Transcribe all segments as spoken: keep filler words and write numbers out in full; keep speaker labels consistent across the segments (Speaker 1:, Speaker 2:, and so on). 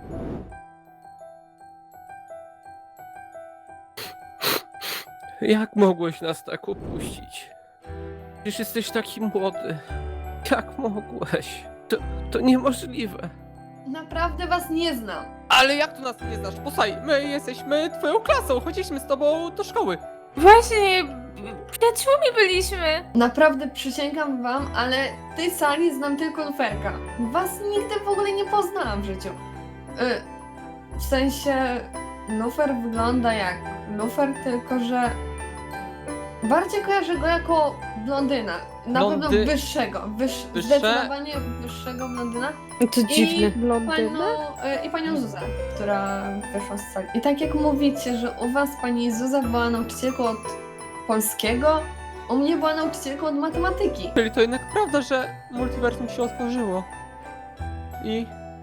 Speaker 1: Jak mogłeś nas tak opuścić? Przecież jesteś taki młody. Jak mogłeś? To, to niemożliwe.
Speaker 2: Naprawdę was nie znam.
Speaker 1: Ale jak tu nas nie znasz? Posłuchaj, my jesteśmy twoją klasą, chodziliśmy z tobą do szkoły.
Speaker 3: Właśnie, przyjaciółmi byliśmy.
Speaker 2: Naprawdę przysięgam wam, ale w tej sali znam tylko Luferka. Was nigdy w ogóle nie poznałam w życiu. Y, w sensie, Lufer wygląda jak Lufer, tylko że bardziej kojarzę go jako blondyna. Na
Speaker 1: Blondy-
Speaker 2: pewno wyższego, wyż,
Speaker 1: Wyższe-
Speaker 2: zdecydowanie wyższego blondyna.
Speaker 4: To dziwne.
Speaker 2: Panią, y, I panią Zuzę, która wyszła z sali. I tak jak mówicie, że u was pani Zuza była nauczycielką od polskiego, u mnie była nauczycielką od matematyki.
Speaker 1: Czyli to jednak prawda, że multiversum się otworzyło. I...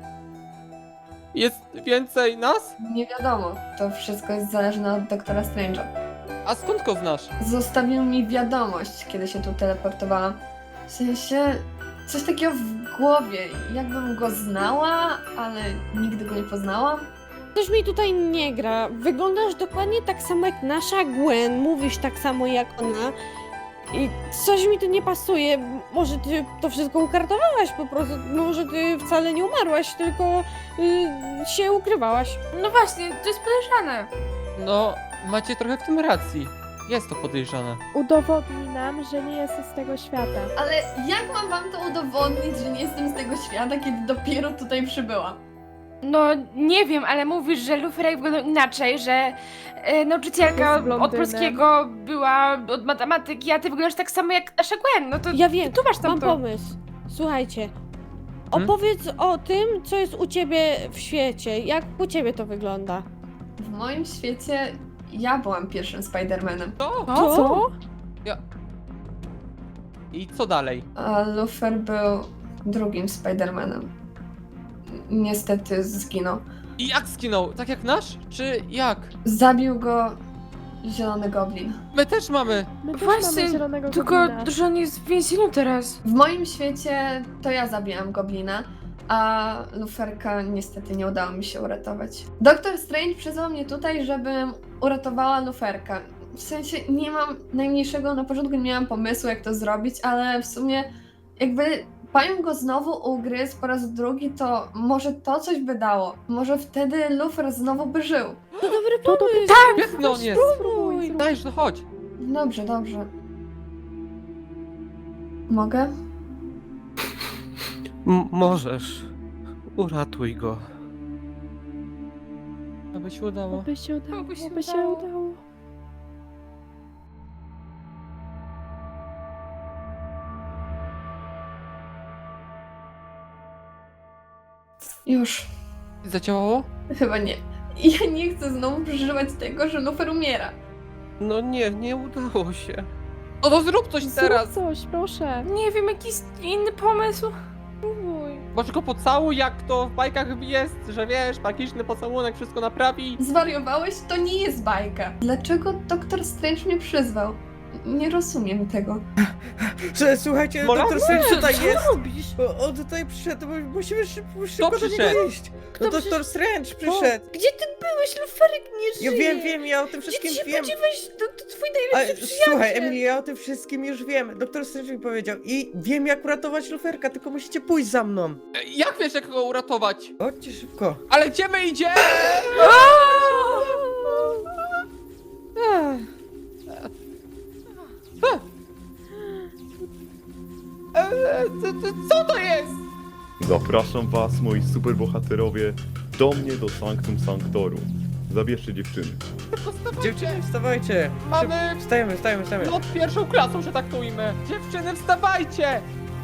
Speaker 1: Jest więcej nas?
Speaker 2: Nie wiadomo, to wszystko jest zależne od doktora Strange'a.
Speaker 1: A skąd go znasz?
Speaker 2: Zostawił mi wiadomość, kiedy się tu teleportowałam. W sensie, coś takiego w głowie, jakbym go znała, ale nigdy go nie poznałam.
Speaker 4: Coś mi tutaj nie gra. Wyglądasz dokładnie tak samo jak nasza Gwen, mówisz tak samo jak ona. I coś mi tu nie pasuje. Może ty to wszystko ukartowałaś po prostu. Może ty wcale nie umarłaś, tylko y, się ukrywałaś.
Speaker 3: No właśnie, to jest podejrzane.
Speaker 1: No, macie trochę w tym racji. Jest to podejrzane.
Speaker 5: Udowodnij nam, że nie jesteś z tego świata.
Speaker 2: Ale jak mam wam to udowodnić, że nie jestem z tego świata, kiedy dopiero tutaj przybyłam?
Speaker 3: No nie wiem, ale mówisz, że Luferek wyglądał inaczej, że e, nauczycielka
Speaker 5: Jest
Speaker 3: od
Speaker 5: blondynem.
Speaker 3: polskiego była od matematyki, a ty wyglądasz tak samo jak nasza Gwen. No to
Speaker 4: Ja wiem,
Speaker 3: tu masz tam
Speaker 4: mam
Speaker 3: to.
Speaker 4: pomysł. Słuchajcie.
Speaker 1: Hmm?
Speaker 4: Opowiedz o tym, co jest u ciebie w świecie. Jak u ciebie to wygląda?
Speaker 2: W moim świecie ja byłam pierwszym Spider-Manem,
Speaker 1: To?
Speaker 3: O, co?
Speaker 1: I co dalej?
Speaker 2: a Lufer był drugim Spider-Manem. Niestety zginął.
Speaker 1: I jak skinął? Tak jak nasz? Czy jak?
Speaker 2: Zabił go Zielony Goblin.
Speaker 1: My też mamy!
Speaker 5: My też
Speaker 3: Właśnie,
Speaker 5: mamy zielonego
Speaker 3: Tylko,
Speaker 5: goblina.
Speaker 3: że on jest w więzieniu teraz.
Speaker 2: W moim świecie to ja zabijam Goblina, a Luferka niestety nie udało mi się uratować. Doktor Strange przyzwał mnie tutaj, żebym uratowała Luferka. W sensie nie mam najmniejszego, na początku nie miałam pomysłu jak to zrobić, ale w sumie jakby pająk go znowu ugryzł po raz drugi, to może to coś by dało. Może wtedy Lufer znowu by żył.
Speaker 4: To dobry
Speaker 5: To to
Speaker 4: pomysł.
Speaker 5: tak!
Speaker 1: Świetny on jest!
Speaker 5: Spróbuj.
Speaker 1: Dajesz, no chodź!
Speaker 2: Dobrze, dobrze. Mogę?
Speaker 1: M- możesz. Uratuj go. Aby się udało.
Speaker 5: Oby się udało,
Speaker 3: Oby się
Speaker 5: oby się
Speaker 3: udało.
Speaker 5: udało.
Speaker 2: Już.
Speaker 1: Zadziałało?
Speaker 2: Chyba nie. Ja nie chcę znowu przeżywać tego, że Lufer umiera.
Speaker 1: No nie, nie udało się. No to zrób coś
Speaker 5: Zrób
Speaker 1: teraz!
Speaker 5: coś, proszę.
Speaker 3: Nie wiem, jakiś inny pomysł.
Speaker 5: Spróbuj.
Speaker 1: Masz go pocałuj, jak to w bajkach jest, że wiesz, magiczny pocałunek wszystko naprawi.
Speaker 2: Zwariowałeś? To nie jest bajka. Dlaczego doktor Strange mnie przyzwał? Nie rozumiem tego.
Speaker 6: Że, słuchajcie,
Speaker 1: Mola?
Speaker 6: doktor Strange tutaj
Speaker 4: Co
Speaker 6: jest.
Speaker 4: robisz?
Speaker 6: O, on tutaj przyszedł, bo musimy szybko, szybko do niego
Speaker 1: przyszedł?
Speaker 6: iść. No doktor Strange przyszedł.
Speaker 4: Gdzie ty byłeś? Luferek nie
Speaker 6: Ja
Speaker 4: żyje.
Speaker 6: wiem, wiem, ja o tym
Speaker 4: Gdzie
Speaker 6: wszystkim
Speaker 4: ty się
Speaker 6: wiem.
Speaker 4: podziewałeś? To, to twój
Speaker 6: Ale,
Speaker 4: najlepszy przyjaciel.
Speaker 6: słuchaj, Emily, ja o tym wszystkim już wiem. Doktor Strange mi powiedział i wiem jak uratować luferka, tylko musicie pójść za mną.
Speaker 1: E, Jak wiesz, jak go uratować?
Speaker 6: Chodźcie szybko.
Speaker 1: Ale gdzie my idziemy?
Speaker 4: Ach,
Speaker 1: E, e, co- co- Co to jest?
Speaker 7: Zapraszam was, moi superbohaterowie, do mnie do Sanctum Sanctorum. Zabierzcie dziewczyny.
Speaker 6: Dziewczyny, wstawajcie.
Speaker 1: Mamy
Speaker 6: Szybko. Wstajemy, wstajemy, wstajemy.
Speaker 1: lot pierwszą klasą, że tak to ujmę. Dziewczyny, wstawajcie!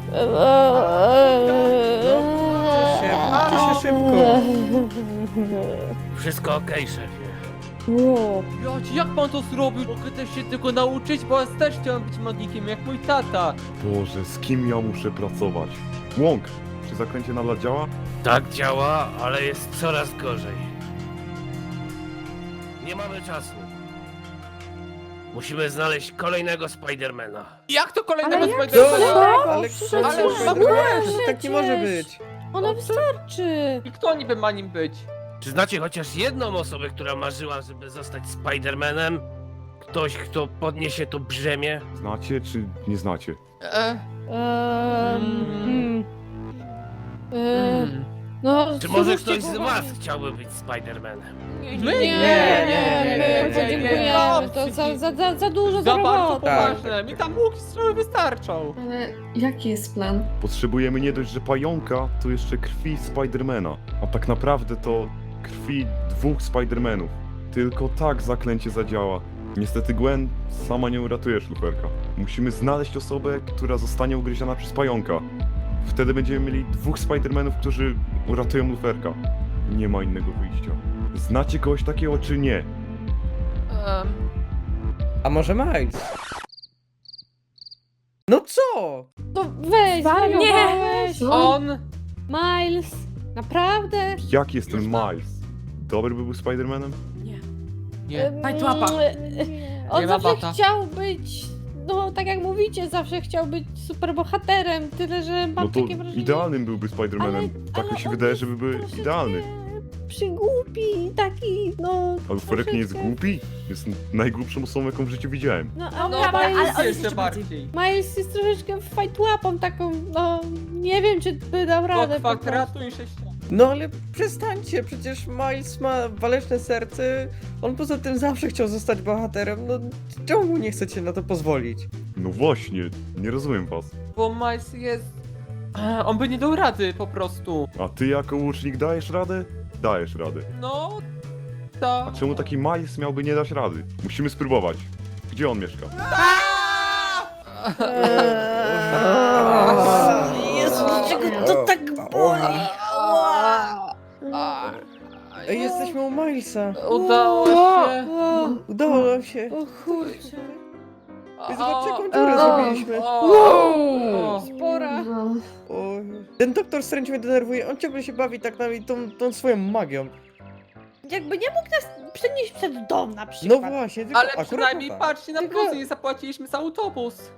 Speaker 6: się, uczcie się szybko.
Speaker 1: Wszystko okej, szefie.
Speaker 4: Wow.
Speaker 1: Jocie, jak pan to zrobił? Mogę też się tylko nauczyć, bo ja też chciałem być magikiem, jak mój tata.
Speaker 7: Boże, z kim ja muszę pracować? Łąk, czy zaklęcie nadal działa?
Speaker 8: Tak działa, ale jest coraz gorzej. Nie mamy czasu. Musimy znaleźć kolejnego Spidermana.
Speaker 1: Jak to kolejnego
Speaker 5: Ale jak
Speaker 1: Spidermana?
Speaker 5: to?
Speaker 6: Ale,
Speaker 5: Przecież
Speaker 6: ale,
Speaker 1: ale
Speaker 6: ale,
Speaker 1: w ogóle
Speaker 6: tak nie może być.
Speaker 4: Ona wystarczy.
Speaker 1: I kto niby ma nim być?
Speaker 8: Czy znacie chociaż jedną osobę, która marzyła, żeby zostać Spidermanem? Ktoś, kto podniesie to brzemię?
Speaker 7: Znacie czy nie znacie?
Speaker 1: E,
Speaker 4: Ehm,
Speaker 1: Mm.
Speaker 4: hmm. Ehm,
Speaker 1: mm.
Speaker 4: no,
Speaker 8: Czy może
Speaker 4: zwróćcie
Speaker 8: ktoś z
Speaker 4: uwagę.
Speaker 8: was chciałby być Spidermanem?
Speaker 1: My?
Speaker 4: Nie,
Speaker 1: nie,
Speaker 4: nie, nie,
Speaker 1: nie,
Speaker 4: podziękujemy. To za, za, za, za dużo
Speaker 1: Za bardzo
Speaker 4: roboty.
Speaker 1: poważne. Mi tam łuki strzały wystarczą.
Speaker 2: Ale jaki jest plan?
Speaker 7: Potrzebujemy nie dość, że pająka, to jeszcze krwi Spidermana. A tak naprawdę to krwi dwóch Spidermanów. Tylko tak zaklęcie zadziała. Niestety Gwen, sama nie uratujesz luferka. Musimy znaleźć osobę, która zostanie ugryziona przez pająka. Wtedy będziemy mieli dwóch Spidermanów, którzy uratują luferka. Nie ma innego wyjścia. Znacie kogoś takiego czy nie?
Speaker 1: Em,
Speaker 6: A może Miles? No co?
Speaker 4: To weź, zwariowałeś.
Speaker 1: on...
Speaker 4: Miles, naprawdę?
Speaker 7: Jaki jest ten Miles? Dobry by był Spidermanem?
Speaker 1: Nie.
Speaker 4: Fajtłapa.
Speaker 5: Nie.
Speaker 4: On
Speaker 1: Nie ma
Speaker 4: zawsze
Speaker 1: bata.
Speaker 4: chciał być, no tak jak mówicie, zawsze chciał być superbohaterem, tyle że mam
Speaker 7: No to
Speaker 4: takie wrażenie...
Speaker 7: idealnym byłby Spidermanem.
Speaker 4: Ale-
Speaker 7: Tak
Speaker 4: ale
Speaker 7: mi się
Speaker 4: on
Speaker 7: wydaje,
Speaker 4: jest
Speaker 7: żeby był
Speaker 4: troszeczkę
Speaker 7: idealny.
Speaker 4: Przygłupi, taki, no...
Speaker 7: A luferek nie jest
Speaker 4: troszeczkę-
Speaker 7: głupi? Jest najgłupszą osobą, jaką w życiu widziałem.
Speaker 4: No, a
Speaker 1: No,
Speaker 3: prawda, ale
Speaker 4: Miles,
Speaker 3: on
Speaker 1: jest
Speaker 3: jest
Speaker 1: jeszcze bardziej.
Speaker 4: Miles jest troszeczkę fajtłapą taką, no... Nie wiem, czy by dał
Speaker 1: Do
Speaker 4: radę po prostu.
Speaker 1: kwadratu i sześcianu.
Speaker 6: No ale przestańcie, przecież Miles ma waleczne serce. On poza tym zawsze chciał zostać bohaterem. No czemu mu nie chcecie na to pozwolić?
Speaker 7: No właśnie, nie rozumiem was.
Speaker 1: Bo Miles jest... E, On by nie dał rady po prostu.
Speaker 7: A ty jako łucznik dajesz radę? Dajesz radę.
Speaker 1: No...
Speaker 7: A
Speaker 1: Tak.
Speaker 7: czemu taki Miles miałby nie dać rady? Musimy spróbować. Gdzie on mieszka?
Speaker 6: Jezu,
Speaker 4: dlaczego to tak boli?
Speaker 6: Ej, jesteśmy u Milesa.
Speaker 1: Udało się.
Speaker 4: O,
Speaker 6: Udało nam się.
Speaker 4: o kurczę.
Speaker 6: Ej, Zobaczcie, jaką
Speaker 1: O,
Speaker 6: dziurę
Speaker 2: o,
Speaker 6: zrobiliśmy.
Speaker 1: o.
Speaker 4: Spora.
Speaker 2: No.
Speaker 6: Oj. Ten doktor Strange mnie denerwuje. On ciągle się bawi tak nami tą, tą swoją magią.
Speaker 4: Jakby nie mógł nas przenieść przed dom na
Speaker 6: No
Speaker 4: przykład.
Speaker 6: właśnie, tylko
Speaker 1: Ale
Speaker 6: akurat
Speaker 1: przynajmniej
Speaker 6: tak.
Speaker 1: patrzcie na
Speaker 4: Tylko-
Speaker 1: plusy, nie zapłaciliśmy za autobus.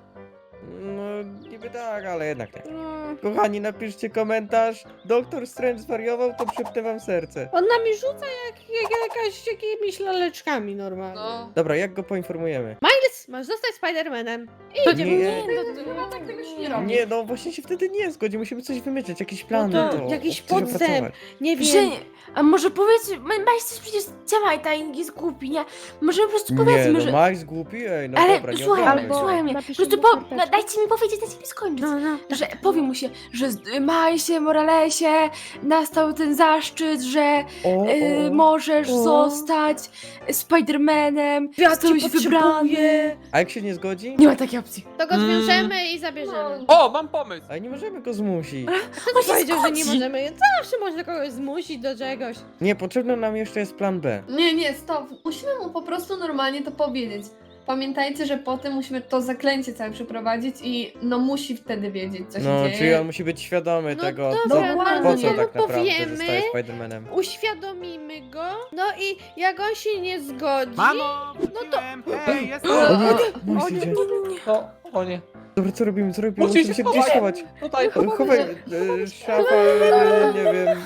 Speaker 6: No niby tak, ale jednak nie.
Speaker 4: No.
Speaker 6: Kochani, napiszcie komentarz. Doktor Strange zwariował, to przypnę wam serce.
Speaker 4: On nami rzuca jak, jak jakaś, jakimiś laleczkami normalnie.
Speaker 1: No.
Speaker 6: Dobra, jak go poinformujemy?
Speaker 4: Miles, masz zostać Spidermanem.
Speaker 6: Nie,
Speaker 4: Idziemy.
Speaker 2: No tak tego się nie robi.
Speaker 6: nie, no właśnie się wtedy nie zgodzi. Musimy coś wymyśleć, jakiś plan.
Speaker 4: No to
Speaker 6: na to,
Speaker 4: jakiś
Speaker 6: coś
Speaker 4: podstęp.
Speaker 6: opracować.
Speaker 4: Nie wiem.
Speaker 3: Że, a może powiedz, Miles też przecież działa i tak jest głupi, nie? Może po prostu
Speaker 6: Nie,
Speaker 3: powiedzmy,
Speaker 6: no
Speaker 3: że...
Speaker 6: Miles głupi, ej, no
Speaker 3: Ale
Speaker 6: dobra, nie
Speaker 3: słuchaj,
Speaker 6: obrażaj
Speaker 5: Albo
Speaker 6: się.
Speaker 3: słuchaj mnie, po
Speaker 5: napiszemy
Speaker 3: prostu po,
Speaker 5: karteczkę.
Speaker 3: no, dajcie mi powiedzieć, dajcie mi skończyć.
Speaker 4: No, no.
Speaker 3: Że powiem mu się, że z Milesie Moralesie nastał ten zaszczyt, że
Speaker 6: O,
Speaker 3: y,
Speaker 6: o.
Speaker 3: możesz
Speaker 4: O.
Speaker 3: zostać Spidermanem,
Speaker 4: Ja
Speaker 3: zostałeś
Speaker 4: cię
Speaker 3: wybrany.
Speaker 4: potrzebuję.
Speaker 6: A jak się nie zgodzi?
Speaker 3: Nie ma takiej opcji.
Speaker 4: To go
Speaker 1: Mm.
Speaker 4: zwiążemy i zabierzemy.
Speaker 1: O, mam pomysł.
Speaker 6: Ale nie możemy go zmusić.
Speaker 4: Kto
Speaker 3: On się
Speaker 4: powiedział, że nie
Speaker 3: zgodzi.
Speaker 4: możemy? Zawsze można kogoś zmusić do czegoś.
Speaker 6: Nie, potrzebny nam jeszcze jest plan B.
Speaker 2: Nie, nie, stop. Musimy mu po prostu normalnie to powiedzieć. Pamiętajcie, że potem musimy to zaklęcie całe przeprowadzić i no musi wtedy wiedzieć, co się
Speaker 6: No,
Speaker 2: dzieje.
Speaker 6: czyli on musi być świadomy
Speaker 4: No
Speaker 6: tego,
Speaker 4: dobra,
Speaker 6: co,
Speaker 2: no
Speaker 6: po
Speaker 2: to
Speaker 6: co
Speaker 2: mu
Speaker 6: tak naprawdę
Speaker 4: powiemy.
Speaker 6: zostaje Spidermanem.
Speaker 4: Uświadomimy go. No i jak on się nie zgodzi...
Speaker 9: Mamo,
Speaker 4: No to...
Speaker 9: hej, jestem!
Speaker 6: O nie,
Speaker 4: O
Speaker 6: Miles
Speaker 4: nie,
Speaker 6: idzie.
Speaker 1: No, o nie.
Speaker 6: Dobra, co robimy, co robimy?
Speaker 1: Musimy
Speaker 6: Musimy
Speaker 1: się
Speaker 6: się gdzieś
Speaker 1: schować.
Speaker 6: schować.
Speaker 1: Tutaj,
Speaker 6: Chowaj, e, szafa, e, nie wiem.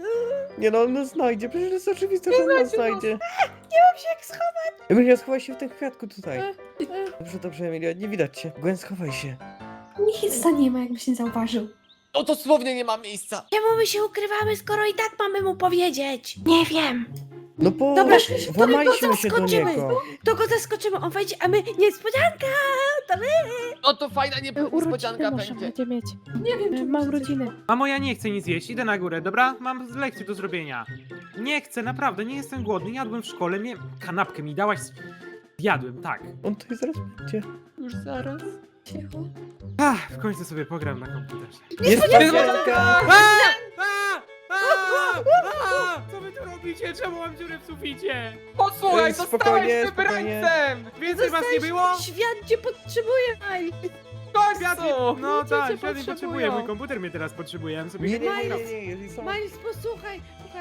Speaker 6: Nie no, on nas znajdzie, przecież jest oczywiste, że on nas znajdzie.
Speaker 4: Nie mam się jak schować.
Speaker 6: Emilia, schowaj się w tym kwiatku tutaj.
Speaker 4: E, e.
Speaker 6: Dobrze, dobrze, Emilia, nie widać cię. Gwen, schowaj się.
Speaker 2: Miejsca nie ma, jakbyś nie zauważył.
Speaker 1: No dosłownie nie ma miejsca.
Speaker 4: Czemu my się ukrywamy, skoro i tak mamy mu powiedzieć?
Speaker 3: Nie wiem.
Speaker 6: No bo
Speaker 4: Dobra,
Speaker 6: włamaliśmy
Speaker 4: to
Speaker 6: się do
Speaker 4: zaskoczymy.
Speaker 6: niego.
Speaker 4: To go zaskoczymy, on wejdzie, a my niespodzianka! To my!
Speaker 1: No to fajna
Speaker 5: E,
Speaker 1: niespodzianka
Speaker 5: Urodziny może
Speaker 1: będzie.
Speaker 5: będzie mieć.
Speaker 2: Nie wiem,
Speaker 5: E,
Speaker 2: czy
Speaker 5: Ma
Speaker 2: muszę-
Speaker 5: urodziny.
Speaker 9: Mamo, ja nie chcę nic jeść, idę na górę, dobra? Mam lekcję do zrobienia. Nie chcę, naprawdę, nie jestem głodny, jadłem w szkole, mnie... kanapkę mi dałaś... Jadłem, tak.
Speaker 6: On tutaj zaraz będzie.
Speaker 1: Już zaraz.
Speaker 2: Cicho.
Speaker 9: Ach, w końcu sobie pogram na komputerze.
Speaker 6: Niespodzianka!
Speaker 9: A! A! A! A! Co wy tu robicie? Czemu mam dziurę w suficie?
Speaker 1: Posłuchaj,
Speaker 6: Ej,
Speaker 1: zostałeś
Speaker 6: spokojnie,
Speaker 1: wybrańcem!
Speaker 9: Więcej was nie było?
Speaker 4: Świat cię potrzebuje, Miles!
Speaker 1: W
Speaker 9: Świat
Speaker 1: końcu!
Speaker 9: No
Speaker 5: Ludzie
Speaker 9: tak,
Speaker 5: cię
Speaker 9: świat mnie
Speaker 5: potrzebują.
Speaker 9: potrzebuje, mój komputer mnie teraz potrzebuje, ja bym sobie
Speaker 6: Nie, nie, nie,
Speaker 9: pogram.
Speaker 6: nie, nie, jeżeli są...
Speaker 4: Miles, posłuchaj, słuchaj.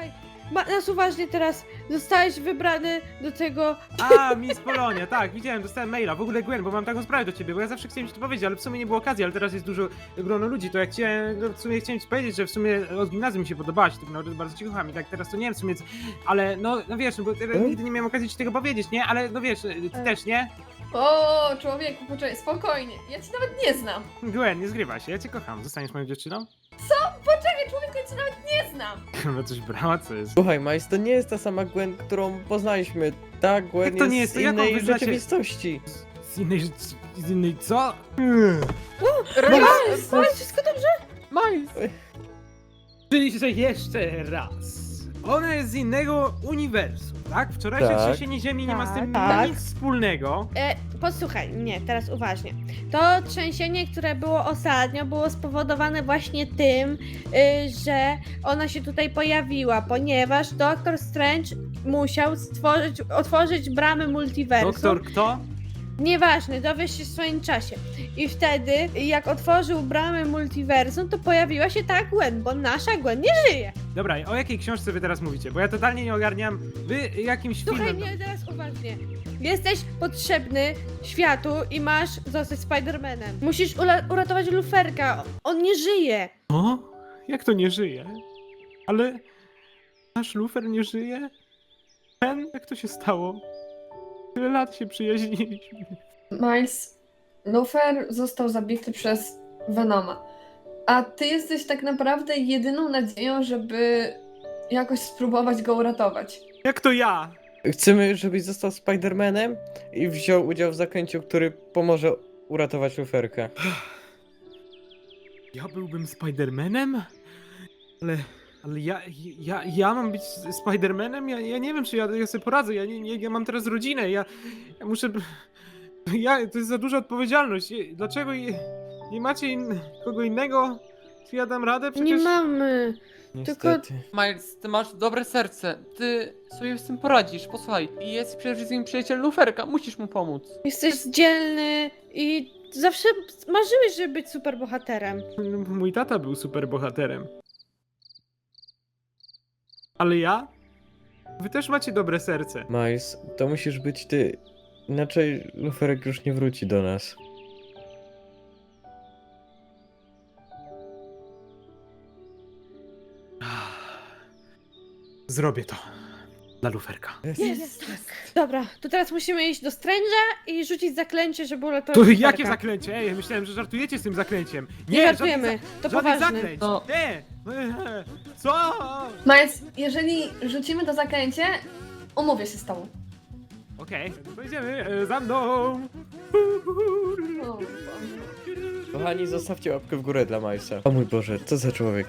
Speaker 4: ma, nas uważnie teraz, zostałeś wybrany do tego...
Speaker 9: A, Miss Polonia, tak, widziałem, dostałem maila. W ogóle Gwen, bo mam taką sprawę do ciebie, bo ja zawsze chciałem ci to powiedzieć, ale w sumie nie było okazji, ale teraz jest dużo grono ludzi, to jak chciałem, no w sumie chciałem ci powiedzieć, że w sumie od gimnazjum mi się podobałaś, tak naprawdę bardzo ci kocham i tak teraz to nie wiem w sumie, c- ale no, no wiesz, no bo teraz nigdy nie miałem okazji ci tego powiedzieć, nie? Ale no wiesz, ty też, nie?
Speaker 2: O, człowieku, poczekaj, spokojnie. Ja cię nawet nie znam.
Speaker 9: Gwen, nie zgrywa się, ja cię kocham, zostaniesz moją dziewczyną?
Speaker 2: Poczekaj, człowieku, ja cię nawet nie znam.
Speaker 9: Chyba coś brała, co jest?
Speaker 6: Słuchaj, Miles, to nie jest ta sama Gwen, którą poznaliśmy. Ta Gwen
Speaker 9: Jak to
Speaker 6: jest
Speaker 9: nie jest?
Speaker 6: z
Speaker 9: To jaką
Speaker 6: innej
Speaker 9: wy znacie-
Speaker 6: rzeczywistości.
Speaker 9: Z innej, z innej co?
Speaker 4: Miles, Miles, wszystko dobrze?
Speaker 1: Miles!
Speaker 9: Czyli, że jeszcze raz. Ona jest z innego uniwersum, tak? Wczorajsze
Speaker 6: Tak.
Speaker 9: trzęsienie ziemi nie ma z tym
Speaker 4: Tak.
Speaker 9: nic wspólnego.
Speaker 4: E, posłuchaj, nie, teraz uważnie. To trzęsienie, które było ostatnio, było spowodowane właśnie tym, y, że ona się tutaj pojawiła, ponieważ Doktor Strange musiał stworzyć, otworzyć bramy multiversum.
Speaker 9: Doktor kto?
Speaker 4: Nieważne, dowiesz się w swoim czasie. I wtedy, jak otworzył bramy multiversum, to pojawiła się ta Gwen, bo nasza Gwen nie żyje.
Speaker 9: Dobra, o jakiej książce wy teraz mówicie? Bo ja totalnie nie ogarniam. Wy jakimś
Speaker 4: Słuchaj
Speaker 9: filmem...
Speaker 4: mnie teraz uważnie. Jesteś potrzebny światu i masz zostać Spider-Manem. Musisz ula- uratować Luferka. On nie żyje.
Speaker 9: O? Jak to nie żyje? Ale... Nasz Lufer nie żyje? Ten? Jak to się stało? Tyle lat się przyjaźniliśmy.
Speaker 2: Miles, Lufer został zabity przez Venoma. A ty jesteś tak naprawdę jedyną nadzieją, żeby jakoś spróbować go uratować.
Speaker 9: Jak to ja?
Speaker 6: Chcemy, żebyś został Spider-Manem i wziął udział w zaklęciu, który pomoże uratować Luferka.
Speaker 9: Ja byłbym Spidermanem? Ale... Ale ja, ja, ja mam być Spidermanem? Ja, ja nie wiem, czy ja, ja sobie poradzę. Ja, nie, nie, ja mam teraz rodzinę. Ja, ja muszę... Ja, to jest za duża odpowiedzialność. Dlaczego je, nie macie in, kogo innego? Czy ja dam radę? Przecież...
Speaker 4: Nie mamy.
Speaker 6: Niestety.
Speaker 1: Miles, ty masz dobre serce. Ty sobie z tym poradzisz. Posłuchaj, jest przede wszystkim przyjaciel Luferka. Musisz mu pomóc.
Speaker 4: Jesteś dzielny i zawsze marzyłeś, żeby być superbohaterem.
Speaker 9: Mój tata był super bohaterem. Ale ja? Wy też macie dobre serce.
Speaker 6: Miles, to musisz być ty. Inaczej Luferek już nie wróci do nas.
Speaker 9: Zrobię to. Dla Luferka.
Speaker 4: Jest, tak. Dobra, to teraz musimy iść do Strange'a i rzucić zaklęcie, żeby uratować
Speaker 9: To
Speaker 4: Luferka.
Speaker 9: jakie zaklęcie? Ej, myślałem, że żartujecie z tym zaklęciem.
Speaker 4: Nie,
Speaker 9: Nie,
Speaker 4: żartujemy,
Speaker 9: żadnych za-
Speaker 4: to
Speaker 9: żadnych
Speaker 4: poważne.
Speaker 9: zaklęć.
Speaker 1: No.
Speaker 9: Nie! Co?
Speaker 2: Miles, jeżeli rzucimy to zaklęcie, umówię się z tobą.
Speaker 9: Okej, pojedziemy e, za mną.
Speaker 2: O,
Speaker 6: Kochani, zostawcie łapkę w górę dla Milesa. O mój Boże, co za człowiek.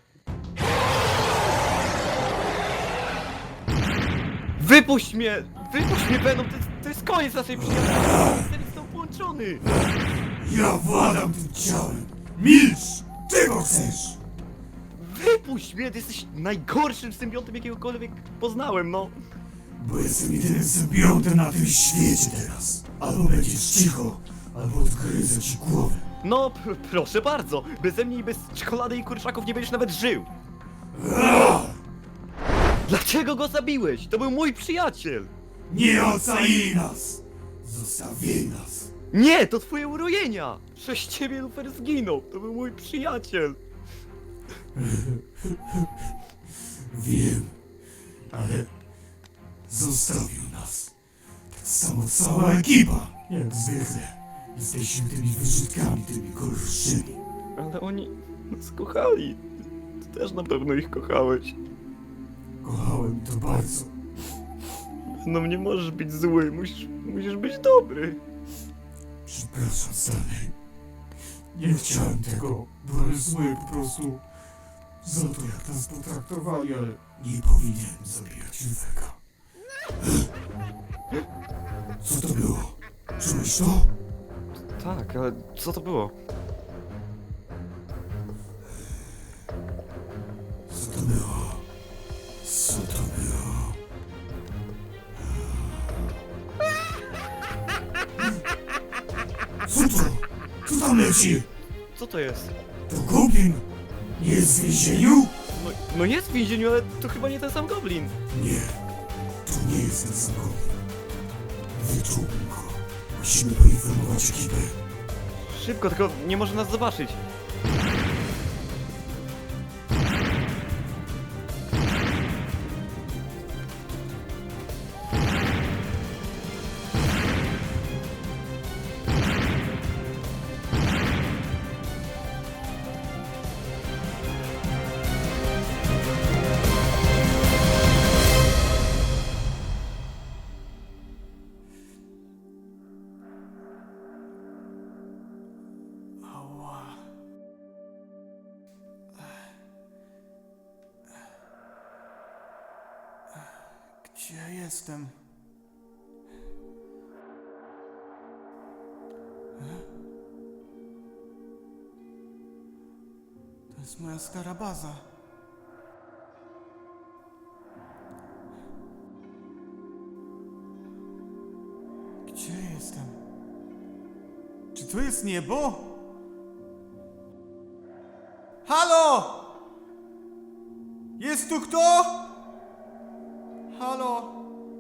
Speaker 7: Wypuść mnie! Wypuść mnie, Venom! To jest, to jest koniec naszej przyjaźni! Jestem z tą połączony!
Speaker 10: Ja władam tym ciałem! Milcz! Czego chcesz?
Speaker 7: Wypuść mnie! Ty jesteś najgorszym symbiotem, jakiegokolwiek poznałem, no!
Speaker 10: Bo jestem jedynym symbiontem na tym świecie teraz. Albo będziesz cicho, albo odgryzę ci głowę.
Speaker 7: No, pr proszę bardzo! Beze mnie i bez czekolady i kurczaków nie będziesz nawet żył! Dlaczego go zabiłeś? To był mój przyjaciel!
Speaker 10: Nie ocalili nas! Zostawili nas!
Speaker 7: Nie, to twoje urojenia! Przez ciebie Lufer zginął! To był mój przyjaciel!
Speaker 10: Wiem, ale zostawił nas. Tak samo cała ekipa, jak zwykle. Jesteśmy tymi wyrzutkami, tymi gorszymi.
Speaker 7: Ale oni nas kochali. Ty też na pewno ich kochałeś.
Speaker 10: Kochałem to bardzo.
Speaker 7: No nie możesz być zły, musisz, musisz być dobry.
Speaker 10: Przepraszam, Stanley. Nie chciałem tego. Byłem zły po prostu za to, jak nas potraktowali, ale nie powinienem zabijać Luferka. Co to było? Czułeś to?
Speaker 7: Tak, ale co to było?
Speaker 10: Co to było? Co to było? Co to? Co tam leci?
Speaker 7: Co to jest?
Speaker 10: To Goblin? Nie jest w więzieniu?
Speaker 7: No
Speaker 11: No jest w więzieniu, ale to chyba nie ten sam goblin.
Speaker 10: Nie, to nie jest ten sam goblin. Wyczułbym go. Musimy poinformować ekipę.
Speaker 11: Szybko, tylko nie może nas zobaczyć.
Speaker 10: Ała. Gdzie ja jestem? To jest moja stara baza. Gdzie jestem? Czy to jest niebo? Halo! Jest tu kto? Halo?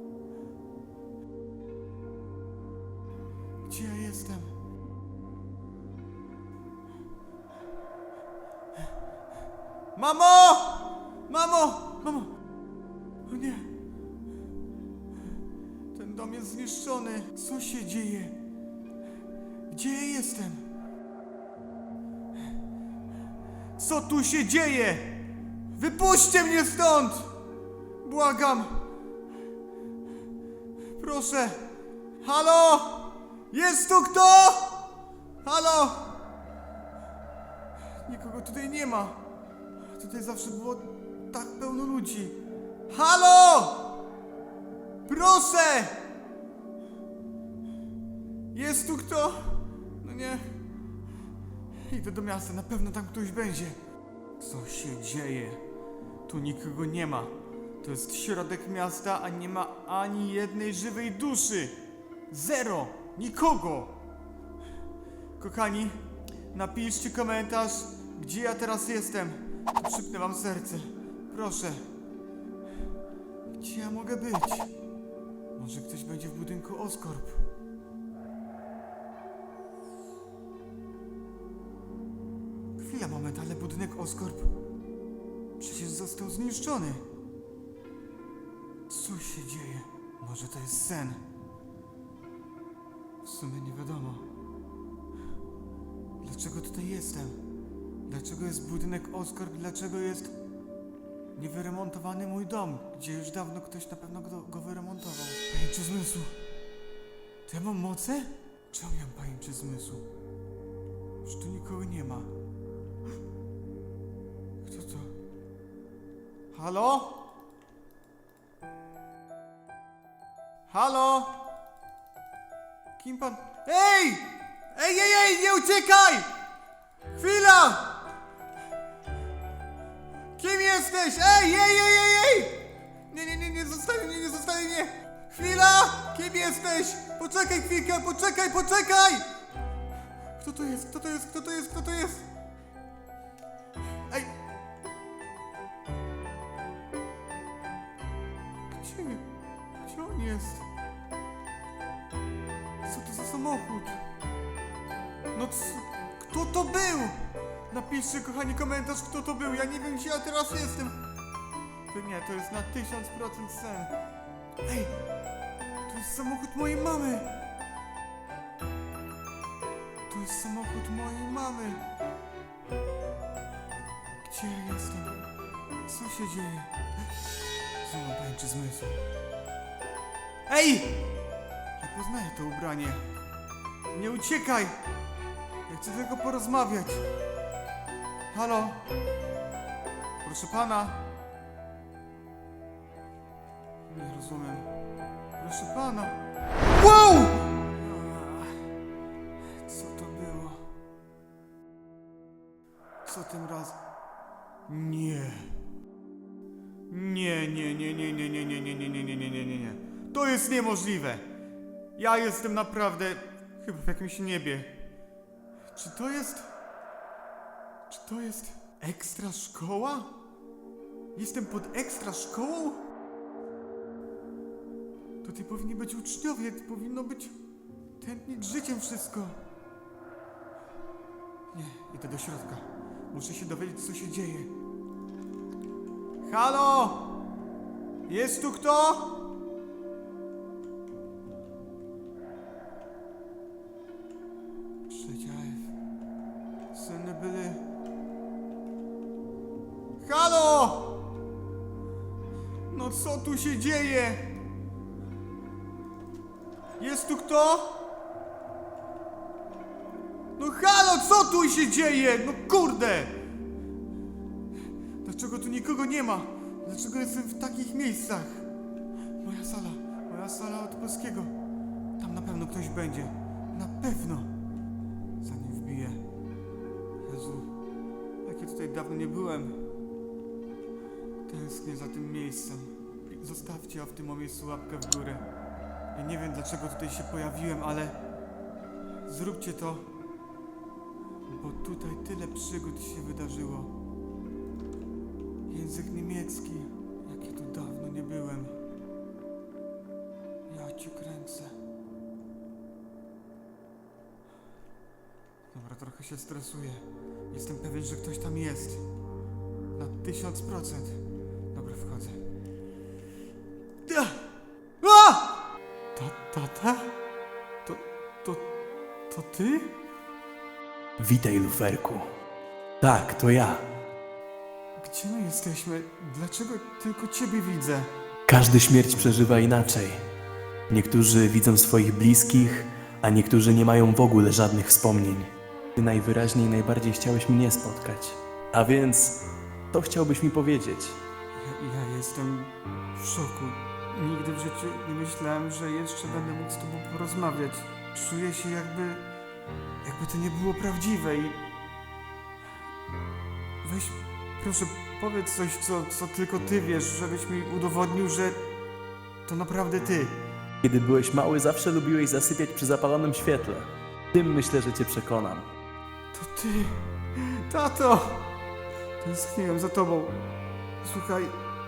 Speaker 10: Gdzie ja jestem? Mamo! Mamo! Mamo! O nie! Ten dom jest zniszczony. Co się dzieje? Gdzie ja jestem? Co tu się dzieje? Wypuśćcie mnie stąd! Błagam! Proszę! Halo! Jest tu kto? Halo! Nikogo tutaj nie ma. Tutaj zawsze było tak pełno ludzi. Halo! Proszę! Jest tu kto? No nie. Idę do miasta, na pewno tam ktoś będzie. Co się dzieje? Tu nikogo nie ma. To jest środek miasta, a nie ma ani jednej żywej duszy. Zero! Nikogo! Kochani, napiszcie komentarz, gdzie ja teraz jestem. Przypnę wam serce. Proszę. Gdzie ja mogę być? Może ktoś będzie w budynku Oscorp. Chwila, moment, ale budynek Oscorp przecież został zniszczony. Co się dzieje? Może to jest sen? W sumie nie wiadomo. Dlaczego tutaj jestem? Dlaczego jest budynek Oscorp? Dlaczego jest niewyremontowany mój dom, gdzie już dawno ktoś na pewno go, go wyremontował? Pajęczy zmysł. To ja mam moce? Czemu ja mam pajęczy zmysł? Już tu nikogo nie ma. Kto to? Halo? Halo? Kim pan... Ej! Ej, ej, ej, nie uciekaj! Chwila! Kim jesteś? Ej, ej, ej, ej, ej! Nie, nie, nie, nie zostawię mnie, nie zostawię mnie! Chwila! Kim jesteś? Poczekaj chwilkę, poczekaj, poczekaj! Kto to jest? Kto to jest? Kto to jest? Kto to jest? Ej! Gdzie? Gdzie on jest? Co to za samochód? No co? Kto to był? Napiszcie, kochani, komentarz, kto to był. Ja nie wiem, gdzie ja teraz jestem. To nie, to jest na tysiąc procent sen. Ej! To jest samochód mojej mamy! To jest samochód mojej mamy! Gdzie ja jestem? Co się dzieje? Znowu mam pajęczy zmysł. Ej! Ja poznaję to ubranie. Nie uciekaj! Ja chcę tylko porozmawiać. Halo? Proszę pana? Nie rozumiem. Proszę pana. Wow! Co to było? Co tym razem? Nie. Nie, nie, nie, nie, nie, nie, nie, nie, nie, nie, nie, nie, nie, nie, nie. To jest niemożliwe. Ja jestem naprawdę chyba w jakimś niebie. Czy to jest... Czy to jest ekstra szkoła? Jestem pod ekstra szkołą? Tutaj powinni być uczniowie, to powinno być tętnić życiem wszystko. Nie, idę do środka. Muszę się dowiedzieć, co się dzieje. Halo! Jest tu kto? Przedziaев. Syny byli... Halo! No co tu się dzieje? Jest tu kto? No halo, co tu się dzieje? No kurde! Dlaczego tu nikogo nie ma? Dlaczego jestem w takich miejscach? Moja sala, moja sala od polskiego. Tam na pewno ktoś będzie. Na pewno. Zanim wbiję. Jezu, jak ja tutaj dawno nie byłem. Tęsknię za tym miejscem. Zostawcie w tym miejscu łapkę w górę. Ja nie wiem, dlaczego tutaj się pojawiłem, ale zróbcie to, bo tutaj tyle przygód się wydarzyło. Język niemiecki, jak ja tu dawno nie byłem. Ja cię kręcę. Dobra, trochę się stresuję. Jestem pewien, że ktoś tam jest. Na tysiąc procent. Dobra, wchodzę. A! Ta, tata? To, to, to ty?
Speaker 12: Witaj, Luferku. Tak, to ja.
Speaker 10: Gdzie my jesteśmy? Dlaczego tylko ciebie widzę?
Speaker 12: Każdy śmierć przeżywa inaczej. Niektórzy widzą swoich bliskich, a niektórzy nie mają w ogóle żadnych wspomnień. Ty najwyraźniej najbardziej chciałeś mnie spotkać. A więc, to chciałbyś mi powiedzieć?
Speaker 10: Ja, ja jestem w szoku. Nigdy w życiu nie myślałem, że jeszcze będę mógł z tobą porozmawiać. Czuję się jakby... jakby to nie było prawdziwe i... Weź, proszę, powiedz coś, co, co tylko ty wiesz, żebyś mi udowodnił, że to naprawdę ty.
Speaker 12: Kiedy byłeś mały, zawsze lubiłeś zasypiać przy zapalonym świetle. Tym myślę, że cię przekonam.
Speaker 10: To ty, tato! Tęskniłem za tobą. Słuchaj,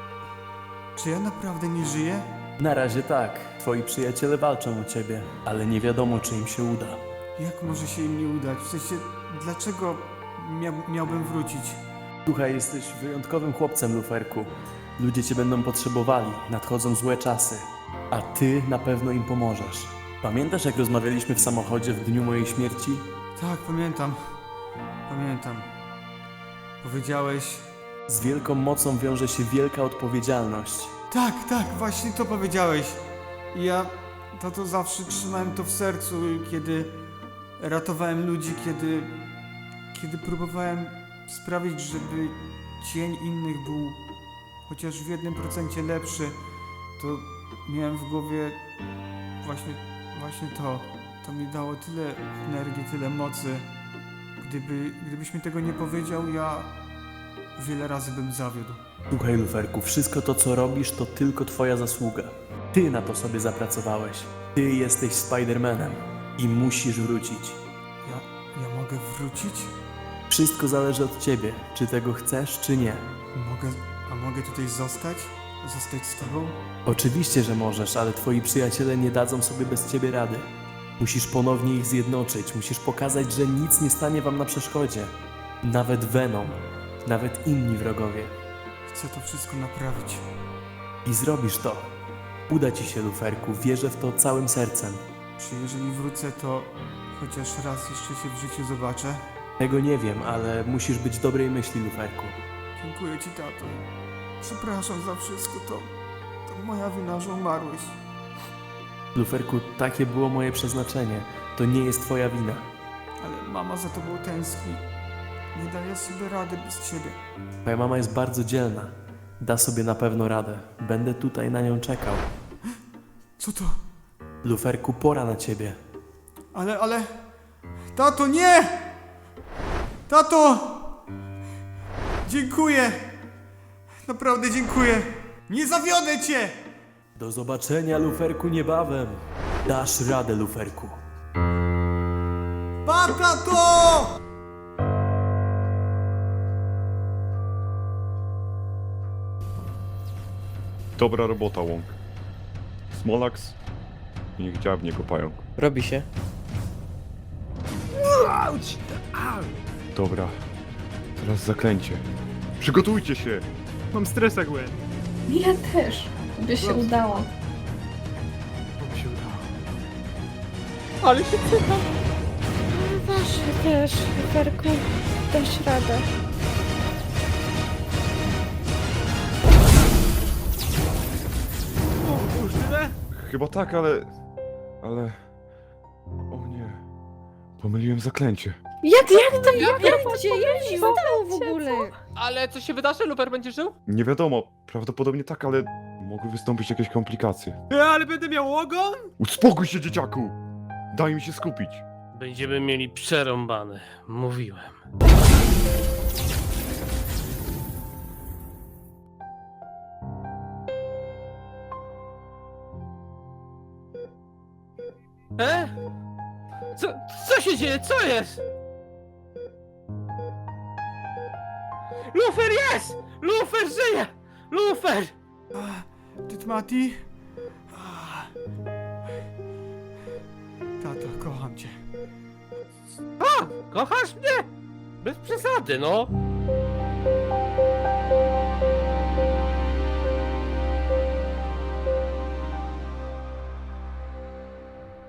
Speaker 10: czy ja naprawdę nie żyję?
Speaker 12: Na razie tak. Twoi przyjaciele walczą o ciebie, ale nie wiadomo, czy im się uda.
Speaker 10: Jak może się im nie udać? W sensie, dlaczego mia miałbym wrócić?
Speaker 12: Słuchaj, jesteś wyjątkowym chłopcem, Luferku. Ludzie cię będą potrzebowali, nadchodzą złe czasy. A ty na pewno im pomożesz. Pamiętasz, jak rozmawialiśmy w samochodzie w dniu mojej śmierci?
Speaker 10: Tak, pamiętam. Pamiętam. Powiedziałeś...
Speaker 12: Z wielką mocą wiąże się wielka odpowiedzialność.
Speaker 10: Tak, tak, właśnie to powiedziałeś. I ja, tato, zawsze trzymałem to w sercu, kiedy ratowałem ludzi, kiedy... kiedy próbowałem sprawić, żeby cień innych był chociaż w jednym procencie lepszy, to miałem w głowie właśnie, właśnie to. To mi dało tyle energii, tyle mocy. Gdyby, gdybyś mi tego nie powiedział, ja wiele razy bym zawiódł.
Speaker 12: Słuchaj, Luferku, wszystko to, co robisz, to tylko twoja zasługa. Ty na to sobie zapracowałeś. Ty jesteś Spider-Manem i musisz wrócić.
Speaker 10: Ja, ja mogę wrócić?
Speaker 12: Wszystko zależy od ciebie, czy tego chcesz, czy nie.
Speaker 10: Mogę, a mogę tutaj zostać? Zostać z tobą?
Speaker 12: Oczywiście, że możesz, ale twoi przyjaciele nie dadzą sobie bez ciebie rady. Musisz ponownie ich zjednoczyć, musisz pokazać, że nic nie stanie wam na przeszkodzie. Nawet Venom, nawet inni wrogowie.
Speaker 10: Chcę to wszystko naprawić.
Speaker 12: I zrobisz to. Uda ci się, Luferku, wierzę w to całym sercem.
Speaker 10: Czy jeżeli wrócę, to chociaż raz jeszcze się w życiu zobaczę?
Speaker 12: Tego nie wiem, ale musisz być dobrej myśli, Luferku.
Speaker 10: Dziękuję ci, tato. Przepraszam za wszystko, to... to moja wina, że umarłeś.
Speaker 12: Luferku, takie było moje przeznaczenie. To nie jest twoja wina.
Speaker 10: Ale mama za tobą tęskni. Nie daję sobie rady bez ciebie.
Speaker 12: Twoja mama jest bardzo dzielna. Da sobie na pewno radę. Będę tutaj na nią czekał.
Speaker 10: Co to?
Speaker 12: Luferku, pora na ciebie.
Speaker 10: Ale, ale... Tato, nie! Tato! Dziękuję! Naprawdę dziękuję! Nie zawiodę cię!
Speaker 12: Do zobaczenia, Luferku, niebawem. Dasz radę, Luferku.
Speaker 10: Pa, tato!
Speaker 7: Dobra robota, Łąk. Smolax, niech dziabnie go pająk.
Speaker 6: Robi się.
Speaker 9: Auć! Au!
Speaker 7: Dobra, teraz zaklęcie. Przygotujcie się!
Speaker 9: Mam stresa, Gwen.
Speaker 2: Ja też. By się udało.
Speaker 9: Bo mi się udało.
Speaker 6: Ale się pytam.
Speaker 5: Dasz też, Luferku. Dasz radę.
Speaker 9: O, już tyle?
Speaker 7: Chyba tak, ale... Ale... O nie... Pomyliłem zaklęcie.
Speaker 4: Jak, jak to, jak, jak gdzie, jak się stało w ogóle?
Speaker 1: Ale co się wydarzy? Luper będzie żył?
Speaker 7: Nie wiadomo, prawdopodobnie tak, ale... Mogły wystąpić jakieś komplikacje.
Speaker 9: E, ale będę miał ogon?
Speaker 7: Uspokój się, dzieciaku! Daj mi się skupić.
Speaker 8: Będziemy mieli przerąbane. Mówiłem.
Speaker 1: E? Co, co się dzieje? Co jest? Lufer jest! Lufer żyje! Lufer!
Speaker 10: Tytmati? Tato, kocham cię.
Speaker 8: A, kochasz mnie? Bez przesady, no.